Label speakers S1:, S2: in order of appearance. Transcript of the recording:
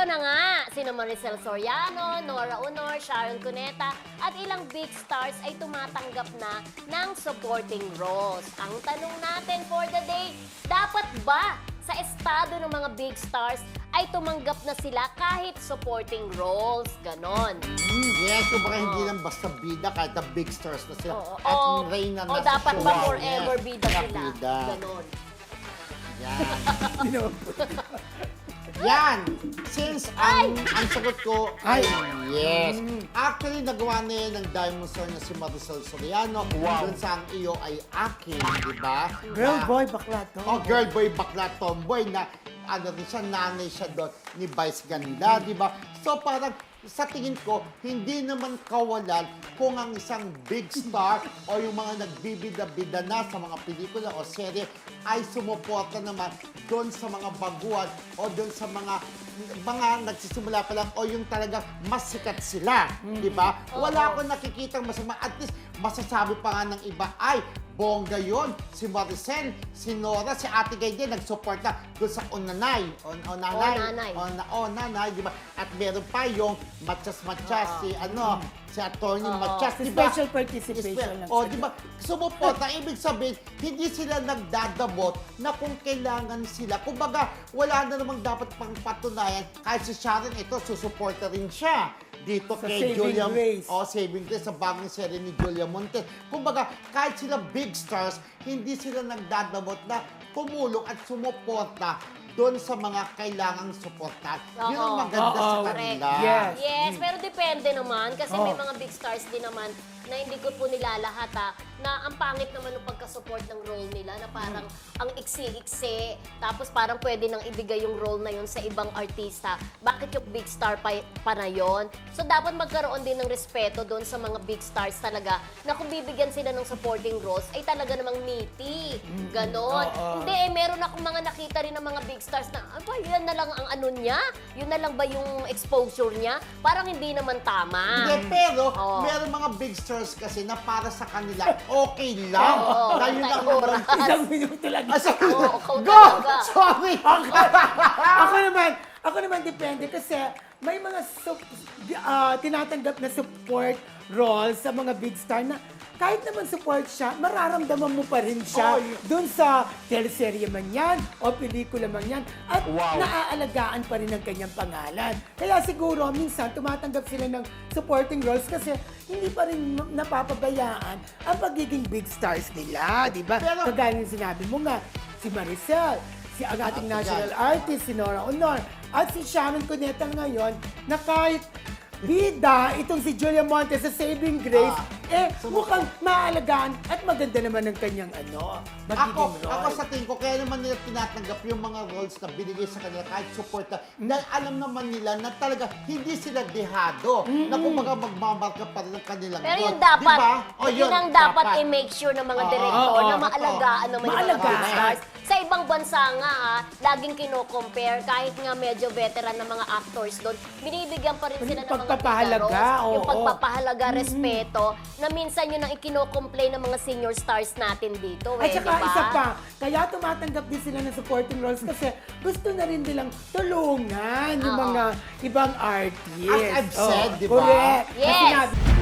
S1: na nga, sina Maricel Soriano, Nora Honor, Sharon Cuneta, at ilang big stars ay tumatanggap na ng supporting roles. Ang tanong natin for the day, dapat ba sa estado ng mga big stars ay tumanggap na sila kahit supporting roles? Ganon.
S2: Yes, kung baka hindi lang basta bida, kahit na big stars na sila. At reyna na sa
S1: dapat ba
S2: show.
S1: forever bida
S2: Na
S1: sila?
S2: bida.
S1: Ganon.
S2: Yan. Yan! Since ang sagot ko ay yes. Actually, nagawa na yan ng Diamond Star na si Maricel Soriano. Dun sa ang iyo ay akin, di ba?
S3: Girl, boy, bakla to.
S2: Oh, girl, boy, bakla, tomboy na ano rin siya, nanay siya doon ni Vice Ganda, di ba? So parang sa tingin ko, hindi naman kawalan kung ang isang big star o yung mga nagbibida-bida na sa mga pelikula o serye ay sumuporta naman doon sa mga baguhan o doon sa mga nagsisimula pa lang o yung talagang mas sikat sila, di ba? Wala akong nakikitang masama. At least, masasabi pa nga ng iba, ay, bongga yun. Si Maricel, si Nora, si Ate Gay din, nagsuporta doon sa Onanay. Onanay, di ba? At meron pa yung Matchas-Matchas, si Attorney Matchas, di ba?
S3: Special participation lang.
S2: O, di ba? Sumuporta, ibig sabihin, hindi sila nagdadabot na kung kailangan sila. Kumbaga, wala na namang dapat pang patunayan. Kahit si Sharon, ito, susuporta rin siya dito
S3: Sa
S2: kay
S3: Saving
S2: Julia.
S3: Grace.
S2: Saving Grace, sa bagong serye ni Julia Montes. Kumbaga, kahit sila big stars, hindi sila nagdadabot na tumulong at sumuporta doon sa mga kailangang suportahan. Yun ang maganda sa kanila.
S3: Yes.
S1: Yes, pero depende naman kasi may mga big stars din naman na hindi ko po nilalahat na ang pangit naman ng pagka-support ng role nila na parang ang iksi-iksi tapos parang pwede nang ibigay yung role na yun sa ibang artista. Bakit yung big star pa na yun? So dapat magkaroon din ng respeto doon sa mga big stars talaga na kung bibigyan sila ng supporting roles ay talaga namang meaty. Ganon. Hindi, meron akong mga nakita rin ng mga big stars na, yan na lang ang ano niya? Yun na lang ba yung exposure niya? Parang hindi naman tama.
S2: Hindi, pero meron mga big stars kasi na para sa kanila, okay lang. Na yun lang naman.
S3: Isang minuto lang.
S1: Ikaw
S2: Go!
S1: talaga.
S2: Sorry!
S3: Ako naman depende kasi may mga tinatanggap na support roles sa mga big star na kahit naman support siya, mararamdaman mo pa rin siya dun sa teleserye man yan o pelikula man yan at naaalagaan pa rin ang kanyang pangalan. Kaya siguro minsan tumatanggap sila ng supporting roles kasi hindi pa rin napapabayaan ang pagiging big stars nila, di ba? Kagaya ng sinabi mo nga, si Maricel, si ang ating national artist, si Nora Honor, at si Sharon Cuneta ngayon, na kahit bida, itong si Julia Montes sa Saving Grace, mukhang maalagaan at maganda naman ang kanyang magiging role.
S2: Ako sa tingin ko, kaya naman nila tinatanggap yung mga roles na binigay sa kanila kahit support dahil alam naman nila na talaga hindi sila dehado. Na kumbaga magmamarka pa rin ang kanilang
S1: Pero
S2: role.
S1: yun dapat,
S2: diba?
S1: yun ang dapat i-make sure ng mga direktor na maalagaan naman yung mga big stars. Sa ibang bansa nga, laging kino-compare, kahit nga medyo veteran ng mga actors doon, binibigyan pa rin sila ng mga
S3: pagpapahalaga,
S1: yung pagpapahalaga, respeto, na minsan yun ang ikino-complain ng mga senior stars natin dito.
S3: At saka
S1: diba?
S3: isa pa, kaya tumatanggap din sila ng supporting roles kasi gusto na rin nilang tulungan yung mga ibang artists.
S2: As I've said, di ba?
S3: Correct.
S1: Yes.
S3: Na sinabi-